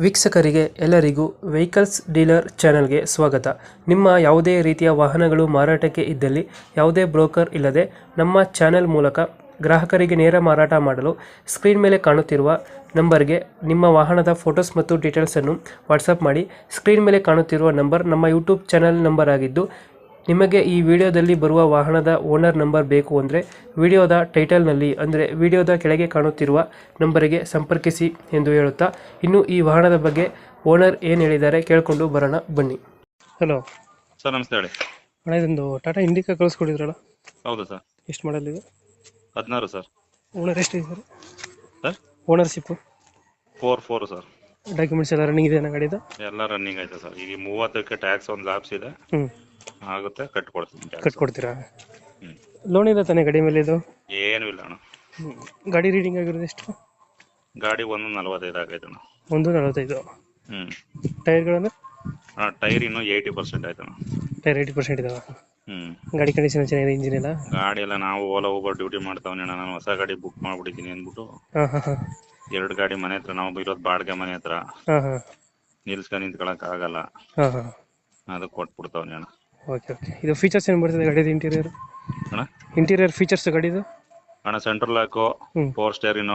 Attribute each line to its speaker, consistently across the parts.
Speaker 1: ವೀಕ್ಷಕರಿಗೆ ಎಲ್ಲರಿಗೂ vehicles dealer ಚಾನೆಲ್ಗೆ ಸ್ವಾಗತ. ನಿಮ್ಮ ಯಾವುದೇ ರೀತಿಯ ವಾಹನಗಳು ಮಾರಾಟಕ್ಕೆ ಇದ್ದಲ್ಲಿ ಯಾವುದೇ ಬ್ರೋಕರ್ ಇಲ್ಲದೆ ನಮ್ಮ ಚಾನೆಲ್ ಮೂಲಕ ಗ್ರಾಹಕರಿಗೆ ನೇರ ಮಾರಾಟ ಮಾಡಲು ಸ್ಕ್ರೀನ್ ಮೇಲೆ ಕಾಣುತ್ತಿರುವ ನಂಬರ್ಗೆ ನಿಮ್ಮ ವಾಹನದ ಫೋಟೋಸ್ ಮತ್ತು ಡೀಟೇಲ್ಸನ್ನು ವಾಟ್ಸಪ್ ಮಾಡಿ. ಸ್ಕ್ರೀನ್ ಮೇಲೆ ಕಾಣುತ್ತಿರುವ ನಂಬರ್ ನಮ್ಮ ಯೂಟ್ಯೂಬ್ ಚಾನೆಲ್ ನಂಬರ್ ಆಗಿದ್ದು, ನಿಮಗೆ ಈ ವಿಡಿಯೋದಲ್ಲಿ ಬರುವ ವಾಹನದ ಓನರ್ ನಂಬರ್ ಬೇಕು ಅಂದರೆ ವಿಡಿಯೋದ ಟೈಟಲ್ನಲ್ಲಿ ಅಂದರೆ ವಿಡಿಯೋದ ಕೆಳಗೆ ಕಾಣುತ್ತಿರುವ ನಂಬರಿಗೆ ಸಂಪರ್ಕಿಸಿ ಎಂದು ಹೇಳುತ್ತಾ, ಇನ್ನು ಈ ವಾಹನದ ಬಗ್ಗೆ ಓನರ್ ಏನು ಹೇಳಿದ್ದಾರೆ ಕೇಳಿಕೊಂಡು ಬರೋಣ ಬನ್ನಿ. ಹಲೋ
Speaker 2: ಸರ್, ನಮಸ್ತೆ ಹೇಳಿ.
Speaker 1: ಅಣ್ಣ, ಇದೊಂದು ಟಾಟಾ ಇಂಡಿಕಾ ಕಳಿಸ್ಕೊಡಿದ್ರಲ್ಲ,
Speaker 2: ಹೌದು ಸರ್.
Speaker 1: ಎಷ್ಟು ಮಾಡಲ್ ಇದು?
Speaker 2: 16 ಸರ್.
Speaker 1: ಓನರ್ ಎಷ್ಟಿದ್ದಾರೆ
Speaker 2: ಸರ್?
Speaker 1: Ownership
Speaker 2: 4 sir.
Speaker 1: ಡಾಕ್ಯುಮೆಂಟ್ಸ್ ಎಲ್ಲ ರನ್ನಿಂಗ್ ಇದೆ ಗಾಡಿದು?
Speaker 2: ಎಲ್ಲ ರನ್ನಿಂಗ್ ಐತೆ ಸರ್. ಈಗ 30ಕ್ಕೆ ಟ್ಯಾಕ್ಸ್ ಒಂದು ಲಾಪ್ಸ್ ಇದೆ, ಆಗುತ್ತೆ, ಕಟ್ಕೊಡ್ತೀನಿ.
Speaker 1: ಕಟ್ಕೊಡ್ತೀರಾ? ಲೋನ್ ಇಲ್ಲ ತಾನೇ ಗಾಡಿ ಮೇಲೆ ಇದು?
Speaker 2: ಏನೂ ಇಲ್ಲ ಅಣ್ಣ.
Speaker 1: ಗಾಡಿ ರೀಡಿಂಗ್ ಆಗಿರೋದು ಎಷ್ಟು?
Speaker 2: ಗಾಡಿ 145 ಆಗೈತೆ ಅಣ್ಣ.
Speaker 1: 145. ಟೈರ್ಗಳನ್ನು?
Speaker 2: ಟೈರ್ ಇನ್ನೂ 80% ಆಯ್ತು ಅಣ್ಣ.
Speaker 1: ಟೈರ್ 80% ಇದಾವೆ. ಗಾಡಿ ಕಂಡೀಷನ್ ಚೆನ್ನಾಗಿದೆ, ಇಂಜಿನ್ ಎಲ್ಲ?
Speaker 2: ಗಾಡಿ ಎಲ್ಲ ನಾವು ಓಲಾ ಊಬರ್ ಡ್ಯೂಟಿ ಮಾಡ್ತಾವನಿ ಅಣ್ಣ. ನಾನು ಹೊಸ ಗಾಡಿ ಬುಕ್ ಮಾಡ್ಬಿಟ್ಟಿದ್ದೀನಿ ಅಂದ್ಬಿಟ್ಟು. ಎರಡು ಗಾಡಿ ಮನೆ ಹತ್ರ, ನಾವು ಇರೋದು ಬಾಡಿಗೆ ಮನೆ ಹತ್ರ, ನಿಲ್ಸ್ಕೊಂಡು ನಿಂತ್ಕೊಳಕ್ ಆಗಲ್ಲ, ಅದಕ್ಕೆ ಕೊಟ್ಬಿಡ್ತಾವನಿ ಅಣ್ಣ.
Speaker 1: ಓಕೆ. ಇದು ಫೀಚರ್ಸ್ ಏನು ಬರ್ತದೆ ಗಾಡಿದು? ಇಂಟೀರಿಯರ್
Speaker 2: ಅಣ್ಣ,
Speaker 1: ಇಂಟೀರಿಯರ್ ಫೀಚರ್ಸ್ ಗಾಡಿದು?
Speaker 2: ಅಣ್ಣ, ಸೆಂಟ್ರಲ್ ಲಾಕು, 4 ಸ್ಟೇರಿನೋ,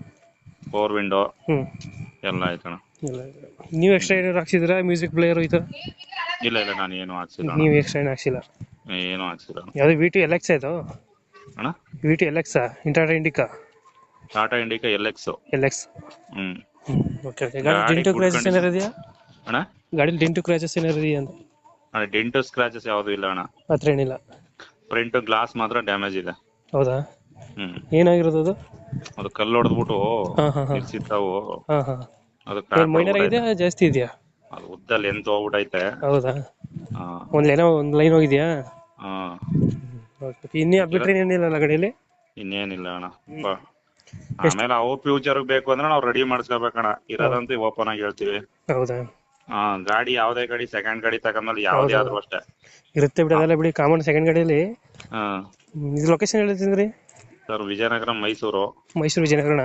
Speaker 2: 4 ವಿಂಡೋ ಎಲ್ಲ ಆಯ್ತಣ್ಣ.
Speaker 1: ನೀವು ಎಕ್ಸ್ಟ್ರಾ ಏನಾದ್ರು ಹಾಕ್ಸಿದ್ರಾ? ಮ್ಯೂಸಿಕ್ ಪ್ಲೇಯರ್ ಈ ಥರ?
Speaker 2: ಇಲ್ಲ, ನಾನು ಏನು ಹಾಕ್ಸಿಲ್ಲ.
Speaker 1: ನೀವು ಎಕ್ಸ್ಟ್ರಾ ಏನು ಹಾಕ್ಸಿಲ್ಲ?
Speaker 2: ಏನು ಹಾಕ್ಸಿಲ್ಲ.
Speaker 1: ಯಾವುದು VT LX ಇದು?
Speaker 2: ಅಣ್ಣ,
Speaker 1: VT LX Tata Indica?
Speaker 2: Tata Indica LX.
Speaker 1: Okay. ಗಾಡಿ ಡೆಂಟು ಕ್ರ್ಯಾಚಸ್ ಏನಾರು ಇದೆಯಾ
Speaker 2: ಅಣ್ಣ?
Speaker 1: ಗಾಡಿ ಡೆಂಟು ಕ್ರ್ಯಾಚಸ್ ಏನಾರು ಇದೆಯಾ ಅಂತ?
Speaker 2: ಅಣ್ಣ, ಡೆಂಟು ಸ್ಕ್ರಾಚಸ್ ಯಾವುದು ಇಲ್ಲ ಅಣ್ಣ.
Speaker 1: ಹತ್ರ ಏನಿಲ್ಲ.
Speaker 2: ಫ್ರಂಟ್ ಗ್ಲಾಸ್ ಮಾತ್ರ ಡ್ಯಾಮೇಜ್ ಇದೆ.
Speaker 1: ಹೌದಾ? ಏನಾಗಿರೋದು ಅದು?
Speaker 2: ಅದು ಕಲ್ಲು ಹೊಡೆದ್ಬಿಟ್ಟು ನಿಲ್ಸಿತ್ತಾವು. ಅದು
Speaker 1: ಮೈನರ್ ಇದೆಯಾ ಜಾಸ್ತಿ ಇದೆಯಾ?
Speaker 2: ಅದು ಉದ್ದ ಲೆಂತ್ ಹೋಗ್ಬಿಟ್ಟೈತೆ.
Speaker 1: ಹೌದಾ? ಒಂದು ಲೈನ್ ಹೋಗಿದ್ಯಾ? ಇನ್ನೇ ಬಿಟ್ರೆ ಏನಿಲ್ಲ ಗಾಡಿಯಲ್ಲಿ?
Speaker 2: ಇನ್ನೇನಿಲ್ಲ ಅಣ್ಣ. ಆಮೇಲೆ ಅವು ಫ್ಯೂಚರ್ ಬೇಕು ಅಂದ್ರೆ ನಾವು ರೆಡಿ ಮಾಡಿಸ್ಕೋಬೇಕಣ್ಣ. ಇರೋದಂತೂ ಓಪನ್ ಆಗಿ ಹೇಳ್ತೀವಿ.
Speaker 1: ಹೌದಾ?
Speaker 2: ಗಾಡಿ ಯಾವ್ದೇ ಗಾಡಿ, ಸೆಕೆಂಡ್ ಗಾಡಿ ತಗೊಂಡ್ಮೇಲೆ ಯಾವ್ದೇ ಆದ್ರೂ ಅಷ್ಟೇ
Speaker 1: ಇರುತ್ತೆ ಬಿಡಿ, ಅದೆಲ್ಲ ಬಿಡಿ, ಕಾಮನ್ ಸೆಕೆಂಡ್ ಗಾಡಿಯಲ್ಲಿ. ಇದು ಲೊಕೇಶನ್ ಹೇಳ್ತಿದ್ರಿ
Speaker 2: ಸರ್? ವಿಜಯನಗರ, ಮೈಸೂರು
Speaker 1: ವಿಜಯನಗರಣ?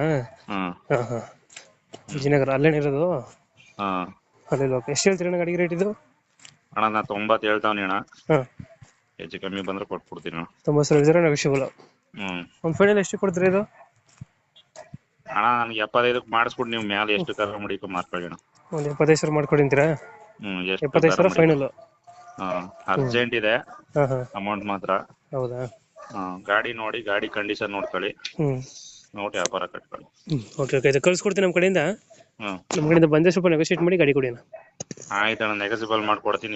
Speaker 1: ವಿಜಯನಗರ ಅಲ್ಲೇನ ಇರೋದು? ಅಲ್ಲೇ ಲೋಕ. ಎಷ್ಟು ಹೇಳ್ತೀರಿ ಅಣ್ಣ ಗಾಡಿಗೆ ರೇಟ್ ಇದು?
Speaker 2: ಅಣ್ಣ, ನಾ 90 ಹೇಳ್ತಾವ್ನಿ ಅಣ್ಣ. ಹೆಚ್ಚು ಕಮ್ಮಿ ಬಂದ್ರೆ ಕೊಟ್ಬಿಡ್ತೀನಿ ಅಣ್ಣ.
Speaker 1: 90,000 ನೆಗೋಷಿಯಬಲ್. ಒಂದು ಫೈನಲ್ ಎಷ್ಟು ಕೊಡ್ತೀರಿ ಇದು?
Speaker 2: ಅಣ್ಣ, ನನಗೆ 75ಕ್ಕೆ ಮಾಡಿಸ್ಬಿಟ್ಟು ನೀವು ಮೇಲೆ ಎಷ್ಟು ಕರ ಮುಡಿಕೊ ಮಾಡ್ಕೊಳ್ಳಿ ಅಣ್ಣ.
Speaker 1: ಒಂದು 75,000 ಮಾಡ್ಕೊಡಿಂತೀರಾ? 75,000 ಫೈನಲ್.
Speaker 2: ಅರ್ಜೆಂಟ್ ಇದೆ ಅಮೌಂಟ್ ಮಾತ್ರ.
Speaker 1: ಹೌದಾ?
Speaker 2: ಗಾಡಿ ನೋಡಿ, ಗಾಡಿ ಕಂಡೀಷನ್ ನೋಡ್ಕೊಳ್ಳಿ, ನೋಡಿ ವ್ಯಾಪಾರ ಕಟ್ಕೊಳ್ಳಿ.
Speaker 1: ಓಕೆ. ಇದು ಕಳ್ಸಿಕೊಡ್ತೀನಿ ನಮ್ಮ ಕಡೆಯಿಂದ. ನಮ್ಮ ಕಡೆಯಿಂದ ಬಂದರೆ ಸ್ವಲ್ಪ ನೆಗೋಷಿಯೇಟ್ ಮಾಡಿ ಗಾಡಿ ಕೊಡಿ ಅಣ್ಣ.
Speaker 2: ಆಯ್ತು ಅಣ್ಣ, ನೆಗೋಸಿಬಲ್ ಮಾಡ್ಕೊಡ್ತೀನಿ.